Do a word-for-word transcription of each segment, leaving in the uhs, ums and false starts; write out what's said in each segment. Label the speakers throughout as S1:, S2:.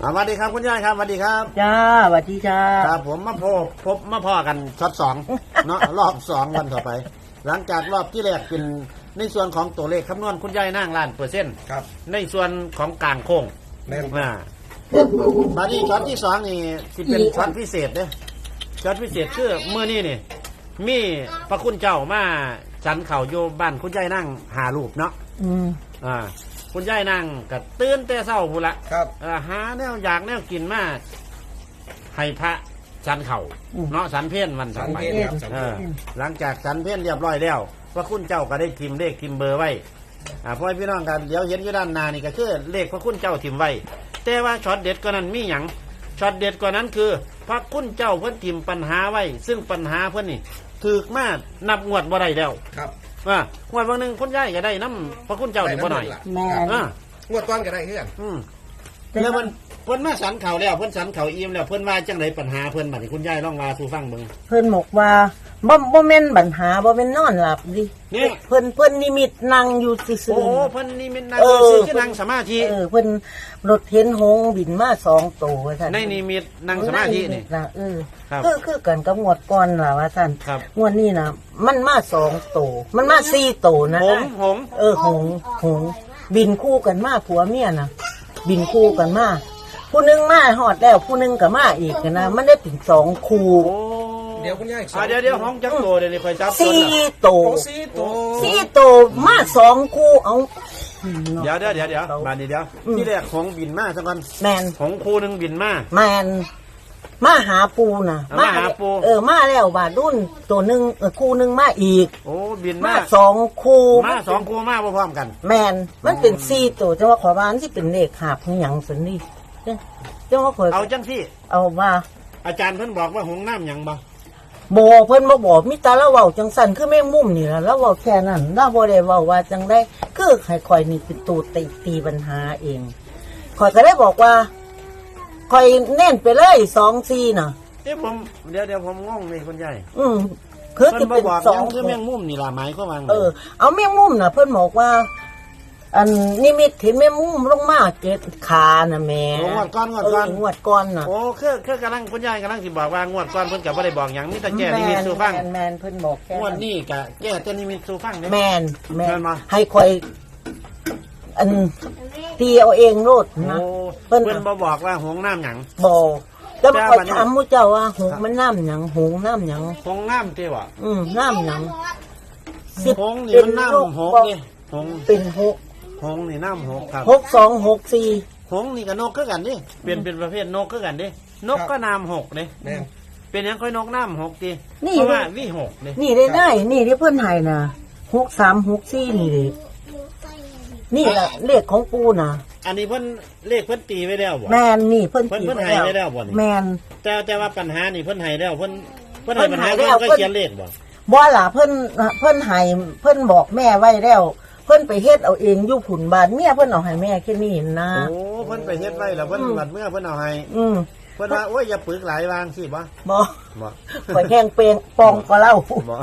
S1: สวัสดีครับคุณยายครับสวัสดีครับ
S2: จ้าสวัสดีจ้า
S1: ครับผมมาพบพบมาพ่อกันช็อตสองเนาะรอบสองวันต่อไป หลังจากรอบที่แรกเป็นในส่วนของตัวเลขคำนวณคุณยายนั่งล้านเปอร์เซ็นต์ครับในส่วนของกลางโค้งแน่นมาบัดนี้ช็อตที่สองนี่สิเป็นช็อตพิเศษเด้ช็อตพิเศษคือเมื่อนี้นี่มีพระคุณเจ้ามาฉันเข่าอยู่บ้านคุณยายนั่งหารูปเนาะ
S2: อืม
S1: อ่าคุณยายนั่งก็ตื่นแต่เช้าพูนละ
S3: ครับ
S1: หาแนวอยากแนวกินมาให้พระฉันเข่าเนาะฉันเพี้ยนวันสันไปหลังจากฉันเพี้ยนเรียบร้อยแล้วพระคุณเจ้าก็ได้ทิมเลขทิมเบอร์ไว้อ่าพ่อพี่น้องกันเดี๋ยวเห็นอยู่ด้านหน้านี่ก็คือเลขพระคุณเจ้าทิมไว้แต่ว่าช็อตเด็ดกว่านั้นมีอย่างช็อตเด็ดกว่านั้นคือพระคุณเจ้าเพิ่นทิมปัญหาไว้ซึ่งปัญหาเพิ่นนี่ถูกมานับงวดบ่ได้แล้ว
S3: ครับ
S1: ว่างวดบางหนึ่งคุณยายก็ได้น้ำพระคุณเจ้านี่บ่หน่อย
S2: แม่
S1: อ่าง
S3: วดต้นก็ได้เพื่อน
S1: อืมแล้วมันเพิ่นมาสันเข่าแล้วเพิ่นสันเข่าอิ่มแล้วเพิ่นว่าจังไดปัญหาเพิ่นบัดนี้คุณยายลองว่าสู่ฟังเบิ่ง
S2: เพิ่นบอกว่าบ่บ่แม่นปัญหาบ่แม่นนอนหลับดิเพิ่นเพิ่นนิมิตนั่งอยู่ซื่อๆ
S1: โอ้เพิ่นนิมิตนั่งอยู่ซื่อคือนั่งสมาธิ
S2: เออเพิ่นรถเห็นหงบินมาสองตัวว่าซั่น
S1: ในนิมิตนั่งสมาธินี่
S2: เออคือคือกันกับงวดก่อนล่ะว่าซั่นงวดนี้น่ะมันมาสองตัวมันมาสี่ตัวนะ
S1: หงหง
S2: เออหงหงบินคู่กันมาผัวเมียน่ะบินคู่กันมาผู้นึงมาหอดแล้วผู้นึงก็มาอีกนะมันได้ถึงสองคู่
S3: เดี๋ยวคุณยาย
S1: เดี๋ยวเดี๋ยวห้องจังโตเดี๋ยวนี้คอยจับ
S2: สี่โต
S3: สี่โต
S2: สี่โตมาสองคู่เอา
S1: เดี๋ยวเดี๋ยวเดี๋ยวเดี๋ยวมาดีเดี๋ยวที่แรกของบินมาสักวัน
S2: แมน
S1: ของคู่นึงบินมา
S2: แมนมาหาปูน่ะ
S1: มาหาปู
S2: เออมาแล้วบาดรุ่นตัวนึงเออคู่นึงมาอีก
S1: โอ้บินมา
S2: สองคู่
S1: มาสองคู่มาพร้อมกัน
S2: แมนมันเป็นสี่โตแต่ว่าขอบ้านที่เป็นเลขหาบหยังสันนี่เจ้าว่า
S1: เอาจังที่
S2: เอาว่า
S1: อาจารย์เพิ่นบอกว่าหงน้ำหยังบ่
S2: บ่เพิ่นบ่บอกมิตาแล้วเว้าจังสั่นคือแม่มุมนี่ล่ะแล้วเว้าแค่นั้นแล้วบ่ได้เว้าว่าจังได้คือให้ข่อยนี่เป็นตัวตีตีปัญหาเองข่อยก็ได้บอกว่าข่อยเน้นไปเลยสอง สี่น่ะ
S1: เดี๋ยวผมเดี๋ยวเดี๋ยวผมงงเลยคุณยาย
S2: อืมคือสิเป็นสอง
S1: คือแม่มุมนี่ล่ะหมายความว่า
S2: เออเอาแม่มุมน่ะเพิ่นบอกว่าอันนิมิตเห็นแม่มุ้มลงมาเจ็ดขาน่ะแม่
S1: งวดก้อนงวดก้อน
S2: งวดก้อนน่ะ
S1: โอ้คือคือกำลังคุณยายกำลังสิบอกว่างวดก้อนเพิ่นก็บ่ได้บอกหยังมีแต่แก้นิมิตสู่ฟัง
S2: แม่นเพิ่นบอกแค่
S1: งวดนี้ก็แก้แต่นิมิตสู่ฟัง
S2: แม่นแม่นให้ข่อยอันตีเอาเองโลดนะ
S1: เพิ่นเพิ่นบ่บอกว่าหงน้ำหยัง
S2: บอกแล้วข่อยถามมู่เจ้าว่าหงมันน้ำหยังหงน้ำหยัง
S1: หงน้ำติว่ะ
S2: อืมน้ำหยัง
S1: หงนี่มันน้ำหงนี่หง
S2: เป็นหก
S1: หงนี่น้ำหกครับ
S2: หกสองหกสี่
S1: หงนี่กับนกก็กันดิเป็นเป็นประเภทนกก็กันดินกก็น้ำหกเลยเป็นยังค่อยนกน้ำหกดิเพราะว่าวิหกเลย
S2: นี่ได้ได้นี่ที่เพื่อนไทยนะหกสามหกสี่นี่เลยนี่แหละเลขของปูนะ
S1: อันนี้เพิ่นเลขเพิ่นตีไว้แล้วบ่
S2: แมนนี่เพิ่น
S1: เพิ่นเพิ่นให้ไว้แล้วบ่นี่
S2: แมน
S1: แต่แต่ว่าปัญหานี่เพิ่นให้แล้วเพิ่นเพิ่นให้ปัญหาเพิ่นก็เขียนเลขบ่
S2: บ่ล่ะเพิ่นเพิ่นให้เพิ่นบอกแม่ไว้แล้วเพิ่นไปเฮ็ดเอาเองอยู่ผุนบานเมียเพิ่นเอาให้แม่แค่นี้นะ
S1: โอ้เพิ่นไปเฮ็ดไว้แล้วเพิ่นบัดเมื่อเพิ่นเอาให้
S2: อืม
S1: เพิ่นว่าโอ้ยอย่าปึกหลายวางสิบ่
S2: บ่
S1: บ่
S2: ข่อยแข้งเปงปองก็เล่าบ่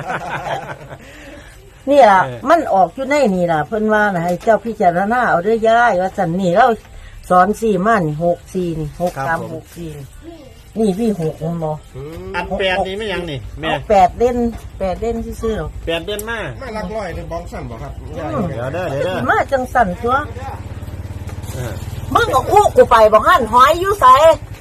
S2: นี่ล่ะมันออกอยู่ในนี่ล่ะเพิ่นว่าให้เจ้าพิจารณาเอาเด้อยายว่าซั่นนี่เราสอนสี่มานี่หก สี่นี่หก สาม หก สี่นี่พี่หกมันบ่
S1: อันแปดนี่ไม่ยังนี่แม่
S2: แปดเด่นแปดเด่นซื่อ
S1: ๆแปดเด่นมา
S3: มาหลักร้อยในบ้องสั่นบ่ครับ
S1: เดี๋ยวเด้อเดี๋ยวเด้อ
S2: มาจังสั่นตัวมึงก็คู่กูไปบ่หั่นหอยอยู่ไส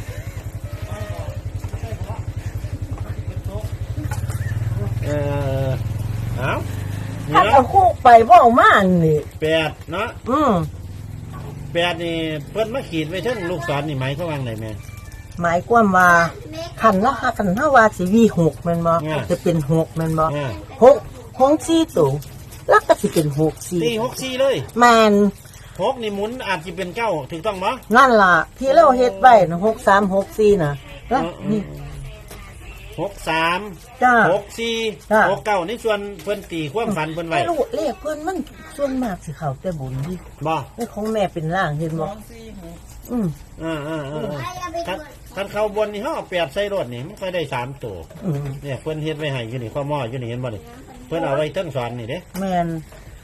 S1: เออเอ้า
S2: ถ้าเอาคู่ไปบ่เอามานี่
S1: แปดเนาะ
S2: อืม
S1: แปดนี่เพิ่นมาขีดไว้เทิงลูกศรนี่หมายความว่าไงแม่
S2: หมายความว่าคันเนาะคันเฮาว่าสิวีหกแม่นบ่จะเป็นหกแม่นบ่หกหงสี่ตัวแล้วก็สิเป็นหกสี่
S1: ตีหกสี่เลย
S2: แม่น
S1: หกนี่หมุนอาจสิเป็นเก้าถูกต้องบ่
S2: นั่นล่ะที่เราเฮ็ดไว้นะหก สาม หก สี่น่ะแล้วนี่
S1: หก สาม
S2: จ้า
S1: หก สี่ หก เก้านี่ส่วนเพิ่นตีความฝันเพิ่นไว้
S2: ไม่รู้เลขเพิ่นมันส่วนมากสิเข้าแต่บุญดิ
S1: บ่
S2: เลขของแม่เป็นล่างเห็นบ่อืม
S1: อ่าๆๆท่านเข้าบนนี่เฮาเอาแปดใส่รถนี่มันค่อยได้สามตัวเนี่ยเพิ่นเฮ็ดไว้ให้อยู่นี่ข้อหม้ออยู่นี่เห็นบ่นี่เพิ่นเอาไว้เทิงสอนนี่เด้
S2: แม่น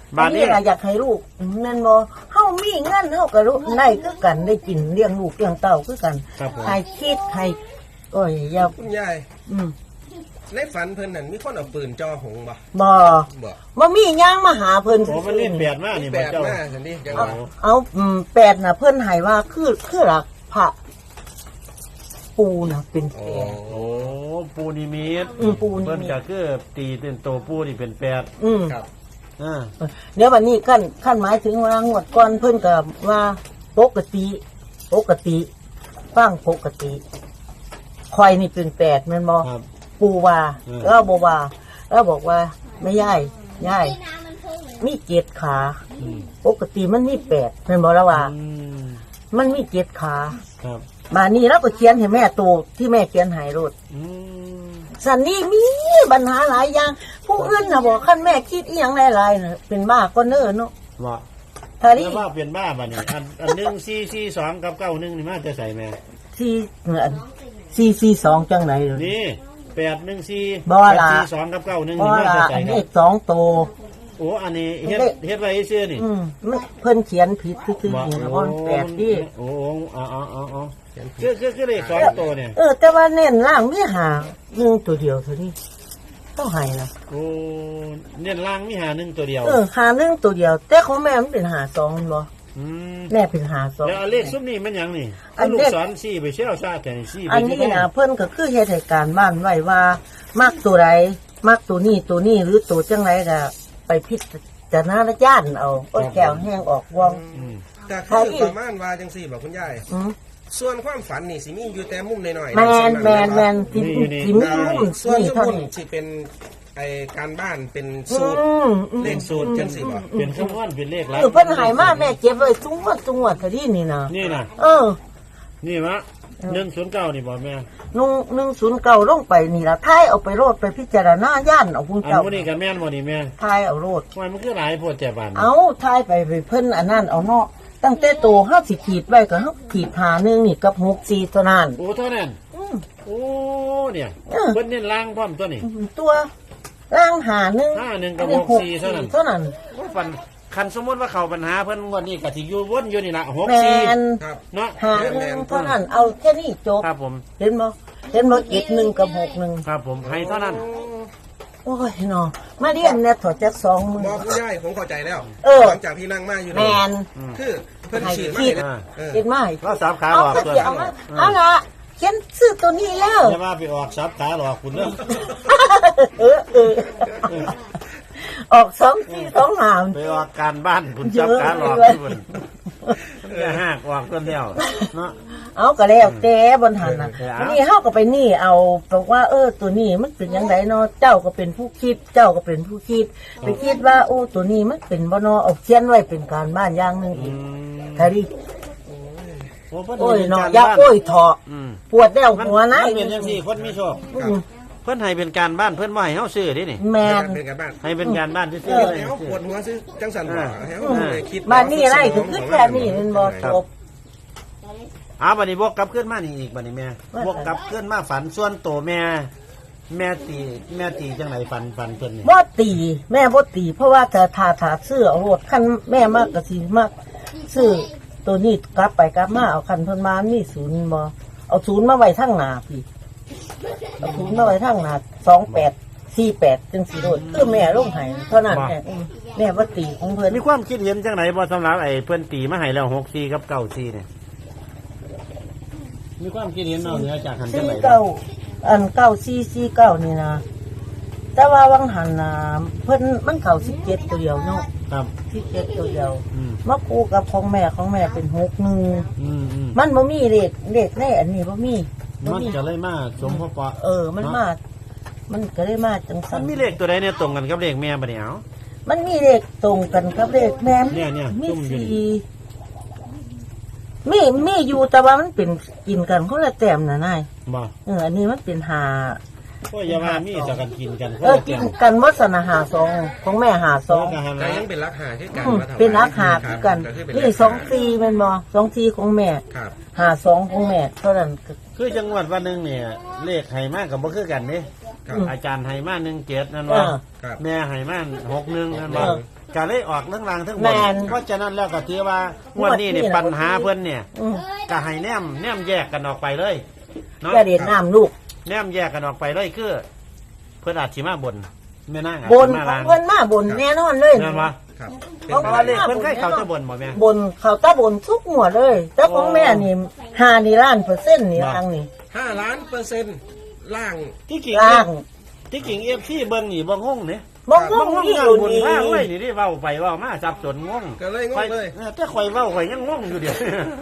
S1: บาดนี้
S2: อัล่ะอยากให้ลูกแม่นบ่เฮามีเงินเฮาก็รู้ได้คือกันได้กินเลี้ยงลูกเลี้ยงเต้าคือกัน
S1: ครับผม
S2: ให้คิดให้โอ้ยอย่า
S3: คุณยาย
S2: อืม
S3: ในฝันเพิ่นนั่นมีคนเอาปืนจ่อหงบ่
S2: บ่
S3: บ่
S2: บ่มีหยังมาหาเพิ่น
S1: โอ้มันเล่นแปดมาก
S3: มี
S1: นี่
S3: แป
S1: บ่
S3: ด
S1: เจ้า
S3: มาสันดิจังห
S2: เอา
S3: วะ
S2: เอาอืมแปดน่ะเพิ่นให้ว่าคือคือหลักพระปูน่ะเป็น
S3: โอ้
S2: แปด
S1: โอ้ปูนิมิต
S2: อืมปูนิมิต
S1: เพิ่นก็คือตีเป็นโตปูนี่เป็นแปด
S2: อืม
S3: ครับ
S1: อ่า
S2: เดี๋ยววันนี้ขั้นขั้นหมายถึงว่างวดก่อนเพิ่นก็ว่าปกติ ปกติฟังปกติคอยนี่เป็นแปดแม่นบ่
S1: ครับ
S2: ปูว่า
S1: อืม
S2: แล้วบ่ว่าแล้วบอกว่าไม่ย่ายย่ายมีเจ็ดขา
S1: อืม
S2: ปกติมันมีแปดแม่นบ่ละว่า
S1: อืม
S2: มันมีเจ็ดขา
S1: ครับ
S2: มานี่เราก็เขียนให้แม่ตัวที่แม่เขียนให้โลด
S1: อืม
S2: สันนี่มีปัญหาหลายอย่าง ผู้อื่นน่ะบอกคันแม่คิดอีหยังหลายๆน่ะเป็นบ้าก็เน้อเนาะ
S1: ว่า
S2: ถ้านี่
S1: แล้วว่าเป็นบ้าบ่นี่อันอันหนึ่งสี่สี่สองกับเก้าหนึ่งนี่มาจะใส่แม่
S2: ที่อันสี่สี่สองจังไหนเลย
S1: นี่แปดหนึ่งสี่
S2: บ่
S1: แปด
S2: ล่ะ
S1: สี่สองกับเก้าหนึ่ง
S2: เพราะ
S1: นี่มาจะ
S2: ว่า
S1: ใส่
S2: อัน
S1: ค
S2: เล
S1: รับ
S2: ขสองโตว
S1: โอ้อันนี้เฮ็ด
S2: เลข
S1: เฮ็ดไว้เชื่อนี่
S2: อืมมันเพิ่นเขียนผิดที่คือ
S1: บ่
S2: นี่นะเพราะมันแปดที่
S1: โอ้โอ้อ๋ออ๋ออ๋ออ๋อคือคือคือเลขสองตัวเนี่ย
S2: เออ แต่ว่าเน้นล่างมีหาหนึ่งตัวเดียวเท่านี้ต้องให้นะ
S1: โอ้เน้นล่างมีหาหนึ่งตัวเดียว
S2: เออหาหนึ่งตัวเดียว แต่ของแม่มันเป็นหาสองบ่
S1: อืม
S2: แม่เป็นหาสอง
S1: แล้วเอาเลขซุ้มนี่มันหยังนี่
S2: อั
S1: เอา
S2: น
S1: ลู
S2: เล
S1: ก
S2: ข
S1: ศรสี่ไปเชี่ยวชาติแต่นี่สี่ไป
S2: อัน
S1: ที่
S2: นี้
S1: ไหน
S2: นะเพิ่นก็คือเฮ็ดให้การบ้านไว้ว่ามักตัวใดมักตัวนี้ตัวนี้หรือตัวจังไรก็ไปพิจารณาญาณเอาก็แก้วแห้งออกวอง
S1: อืม
S3: แต่คือประมาณว่าจังซี่บ่คุณยาย
S2: อืม
S3: ส่วนความฝันนี่สิมีอยู่แต่มุมน้อยๆ
S2: แมนแมนแมน
S3: น
S2: ที่ที่มีมุ่น
S3: ส่วน
S2: นี่
S3: ส
S2: เท่า
S3: มุน
S2: นี้
S3: สิเป็นไอการบ้านเป็น
S2: อื
S3: สูตร
S2: มอืม
S3: เลขสูตรจังซี่บ่
S1: เป็นคำนวณเป็นเลขหลั
S2: เออเพิ่นใหายมาแม่เก็บไว้ทุกงวดทุกงวดเท่านี้นี่นะ
S1: นี่นะ
S2: เออ
S1: นี่มะหนึ่งศูนย์เก้านี่บอกแม่
S2: นุ่งหนึ่งศูนย์เก้าลงไปนี่ละท้ายเอาไปโรดไปพิจารณาย่านเอาพุ่น
S1: อัน
S2: เจ้า
S1: วันนี้กับแม่นวันนี้แม่
S2: ท้ายเอาโรด
S1: ทำไมมันคือหลายโพดแต่บาน
S2: เอาท้ายไปไปเพิ่นอันนั้นเอาเนาะตั้งแต่โตห้าสิขีดไว้ก็ห้าขีดหาหนึ่งนี่กับหกสี่เท่านั้น
S1: โอ้เท่านั้น
S2: อืม
S1: โอ้เนี่ย
S2: เออ
S1: เพิ่นเน้นล่างพร้อมตัวนี่
S2: ตัวร่างหาหนึ่ง
S1: ห้าหนึ่งกับ
S2: อั
S1: หกสี่เท่านั้น
S2: เท่านั้น
S1: ว่าฟันคันสมมติว่าเขาปัญหาเพิ่นงวันนี้ก็สิอยู่วนอยู่นี่ละหก
S2: แม
S1: สี่
S2: น
S3: ครับ
S1: เนาะ
S2: หาหนึ่งเท่านั้นเอาแค่นี้จบ
S1: ครับผม
S2: เห็นบ่เห็นบ่เจ็ดหนึ่งกับหกหนึ่ง
S1: ครับผมให้เท่านั้น
S2: โอ้ยเนาะมาเรียนเนี่ยถอดจากสองมือ
S3: บอกคุณยายผมเข้าใจแล้ว
S2: เออ
S3: หลังจากที่นั่งมาอยู่
S2: แม
S3: นี่
S2: น
S3: คือเพิ่นฉีดมา
S2: ให้
S3: ให้
S2: คิด
S3: นะเออ
S2: เห็นไหม
S1: เราสับขาห
S2: เอา
S1: ลอก
S2: ก็
S1: ตัว
S2: จะเอามาเอาละเขียนชื่อตัวนี้แล้ว
S1: อย่ามาไปออกสับขาหลอกคุณเด้อ
S2: เออเออออกสองที่สองหาม
S1: ไปออกการบ้านคุณสับขาหลอกที่เพิ่นมันจะหักออกตัวเดียวเนาะ
S2: เอาก็แล้วแต่บนหันน่ะ
S1: เออเอา
S2: วันนี้เฮาก็ไปนี่เอาบอกว่าเออตัวนี้มันเป็นยังไงเนาะเจ้าก็เป็นผู้คิด เจ้าก็เป็นผู้คิด ไปคิดว่าโอ้ตัวนี้มันเป็นบ่เนาะเอาเขียนไว้เป็นการบ้านอย่างหนึง
S1: อื
S2: อีก
S1: ม
S2: แค่นี้
S1: โอ้เพิ่น
S2: โอ้ย
S1: ให้ป็
S2: เนาะ
S1: กร
S2: อย่า
S1: บ้น
S2: โอ้ยเถาะ
S1: อืม
S2: ปวดแล้ว
S1: มัน
S2: หัวนะ
S1: มันเป็นจังซี่คนมีโชค
S2: อืม
S1: เพิ่นให้เป็นการบ้านเพิ่นบ่ให้เฮาซื้อเดินี่
S2: แมน
S3: เป็นการบ้าน
S1: ให้เป็นการบ้านซื่อ
S3: เอ
S1: ๆ
S3: อ
S1: เลย
S3: แล้วปวดหัวซื้อจังสันบ่ให้เฮาเลยคิด
S2: บ้านนี้อะไรคือคือแค่นี้มันบ่จบ
S1: อ้าวบัดนี้บวกกลับขึ้นมานี่อีกบัดนี้แม่
S2: ว่า
S1: บวกกลับขึ้นมาฝันส่วนโตวแม่ แม่ตีแม่ตีจังไหนฝันฝันเพิ่นนี่
S2: บ่ตี แม่บ่ตี เพราะว่าถ้าถ้าถ้าซื้อเอารถคันแม่มากก็สิมากซื้อตัวนี้กลับไปกลับมาเอาคันเพิ่นมามีศูนย์บ่เอาศูนย์มาไว้ทางหน้าพี่เอาศูนย์มาไว้ทางหน้าสองแปดสี่แปดจังสิโดดคือแม่ลงให้เท่านั้นแม่อืมแม่บ่ตีของเพิ่น
S1: มีความคิดเห็นจังไหนบ่สำหรับไอ้เพิ่นตีมาให้แล้วหกสี่กับเก้าสี่เนี่ยมีความคิดเห็นนอกเหนือจากหันจัง
S2: สี่
S1: ไหน
S2: เก้าอันเก้าสี่สี่เก้านี่นะแต่ว่าวังหันน่ะเพิ่นมันเข้าสิบเจ็ดตัวเดียวเนาะ
S1: ครับ
S2: สิบเจ็ดตัวเดียว
S1: อืม
S2: มาคู่กับของแม่ของแม่เป็นหกหนึ่ง
S1: อืมอืม
S2: มันบ่มีเลขเลขในอันนี้บ่มีบ่
S1: มัน
S2: มี
S1: จะเลยมาสมพอปะ
S2: เออ มันมา มันก็ได้มาจัง
S1: มั
S2: สั
S1: น
S2: น
S1: มีเลขตัวใดเนี่ยตรงกันกับเลขแม่บัดนี้เอา
S2: มันมีเลขตรงกันกับเลขแม่
S1: เนี่ยเนี่ย
S2: มี
S1: ซุ่มอยู่นี่
S2: สี่มีมีอยู่แต่ว่ามันเป็นกินกันคนละแต้มน่ะนาย
S1: บ่
S2: เอออันนี้มันเป็นหา
S1: ก็อย่าว่ามีจะกันกินกัน
S2: เออกินกันวัสนาหาสองของแม่หาสอง
S1: ก็หัน
S3: แต่
S1: ละ
S3: ยังเป็นรักหาที่กัน
S2: อืม
S3: มาถวาย
S2: เป็นรักหาคือกัน
S3: ก็คือเป็น
S2: นี่
S3: รัก
S2: สองสี่แมันบ่สองสี่ของแม่
S3: ครับ
S2: หาสองของแม่เท่านั้นก็
S1: คือจังหวัดวันหนึ่งเนี่ยเลขไห่มากกับบ่คือกันนี่
S3: ครับ
S1: อาจารย์ไห่มากหนึ่งเจ็ดนั่น
S2: เอ
S1: ว่า
S2: อ
S3: ครับ
S1: แม่ไห่มากหกหนึ่งนั่น
S2: เอ
S1: ว่า
S2: อ
S1: ก็เลยออกเรื่องรางทั้งหม
S2: แม่
S1: ด
S2: น
S1: เพราะฉะนั้นแล้วก็ถือว่างวดนี้นี่
S2: งวดนี้
S1: ปัญหาเพิ่นเนี่ย
S2: อืม
S1: ก็ให้แนมแนมแยกกันออกไปเลยเนาะ
S2: อย่าเด็ดน้ำลูก
S1: แนมแยกกันออกไปเลยคือเพิ่นอาจสิมาบนแม่นางอาจ
S2: บ
S1: สิ
S2: น
S1: มา
S2: ขอ
S1: ลาง ง
S2: เพิ่นมาบนแน่นอนเลย
S1: แม่นบ่
S3: ครับเป็น
S2: เอา
S1: เพราะ
S3: ไป
S1: ว่าเล
S3: ได้
S1: ขเพิ่นเคยเข้าจะบนบ่แม่
S2: บนเขาตาบนทุกหมวดเลยแต่ของแม่นี่หานี่ล้านเปอร์เซ็นต์นี่ทางนี่
S3: ห้าล้านเปอร์เซ็นต์ล่าง
S1: ที่กิ่ง
S2: ล่าง
S1: ที่กิ่ง เอฟ ซี เบิ่งนี่บ่งงนี่
S2: มอง
S1: บ่
S2: มอง
S1: งง
S2: ที่
S1: งา
S2: อน ยู่
S1: บน
S2: นี่
S1: ทางไว้นี่ที่เว้าไปเว้ามาสับสนงง
S3: ก็เลยงงเลย
S1: ข่อแต่ข่อยเว้าข่อยยังงงอยู่เดี๋ยว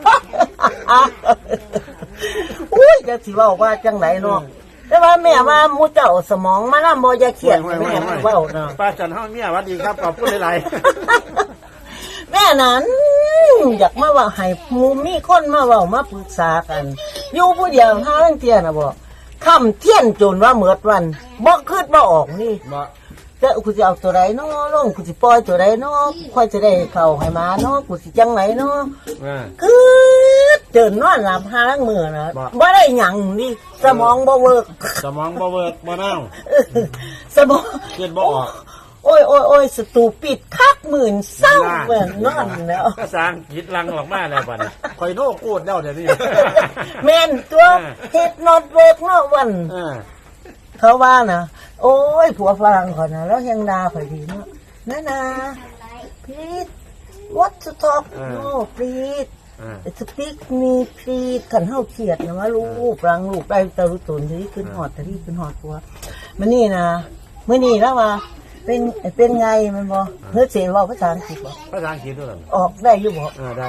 S2: อุ้ยจะสิเว้าว่าจังไหนเนาะแต่ว่าแม่ว่าหมูเจ้าสมองมานำบ่อย่าเครียดแม่เว้าเนาะ
S1: ป้าจันเฮาเมียหวัดดีครับขอบคุณหลาย
S2: แม่นั้นอยากมาเว่าให้หมูมีคนมาเว้ามาปรึกษากัน อยู่ผู้เดียวหาเรื่องเที่ยน่ะบ่ค่ำเที่ยนจนว่าเหมือดวันบ่คิดบ่ออกนี่
S1: ๆบ่
S2: แต่กูสิเอาตัวใดเนาะลงกูสิปล่อยตัวใดเนาะค่อยจะได้เข้าให้มาเนาะกูสิจังไหนเนาะ
S1: อ่า
S2: คือเดินนอนหลับหาลังมือนะ
S1: บ่
S2: บ่ได้หยังนี่สมองบ่เวิร์ก
S1: สมองบ่เวิร์กบ่นั่ง
S2: สมอง
S1: คิดบ่ออก
S2: โอ้ยโอ้ยโอ้ยสตูปิดคักหมื่นเศร้าเหมือนนอนแล้ว
S1: ภาษาอังกฤษลังออกมาแล้วบัดนี้ข่อยโน้กูดแล้วเดี๋ยวนี้
S2: แม่นตัวเฮ็ดนอตเวิร์กเนาะวัน
S1: เออ
S2: เขาว่านะโอ้ยผัวฝรั่งเขานะแล้วยังด่าข่อยดีเนาะนะนะ please what to talk no please
S1: อ่า
S2: speak me please ขันเฮาเครียดนะว่าลูกรังลูกได้ตะรุตนที่ขึ้นหอดที่ขึ้นหอดผัวมันนี่นะมื้อนี้แล้วว่าเป็นเป็นไงมันบ่เฮ้ยเสียงเว้าภาษาอังกฤษบ่
S1: ภาษาอังกฤษด้วยเหรอ
S2: ออกได้อยู่บ่
S1: อ่าได้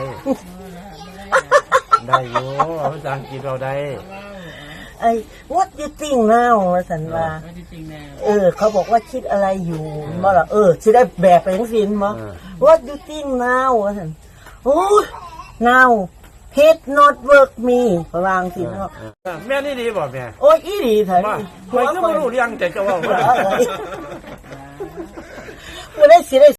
S1: ได้อยู่ภาษาอังกฤษเราได้
S2: ไอ้ what you think now ว่าซั่นว่าเออ เขาบอกว่าคิดอะไรอยู่บ่ล่ะเออสิได้แบกไปจังซี่บ่ what you think now ว่าซั่นโอ้ย now head not work me ประมาณสิเนาะ
S1: แม่นี่ดีบ่แม่
S2: โอ้ยอีหลีเถอะ
S1: ว่า
S2: นี่
S1: ข่อยก็บ่รู้เรื่องแต่ก็เว่า
S2: เออเออบ่ได้สิได้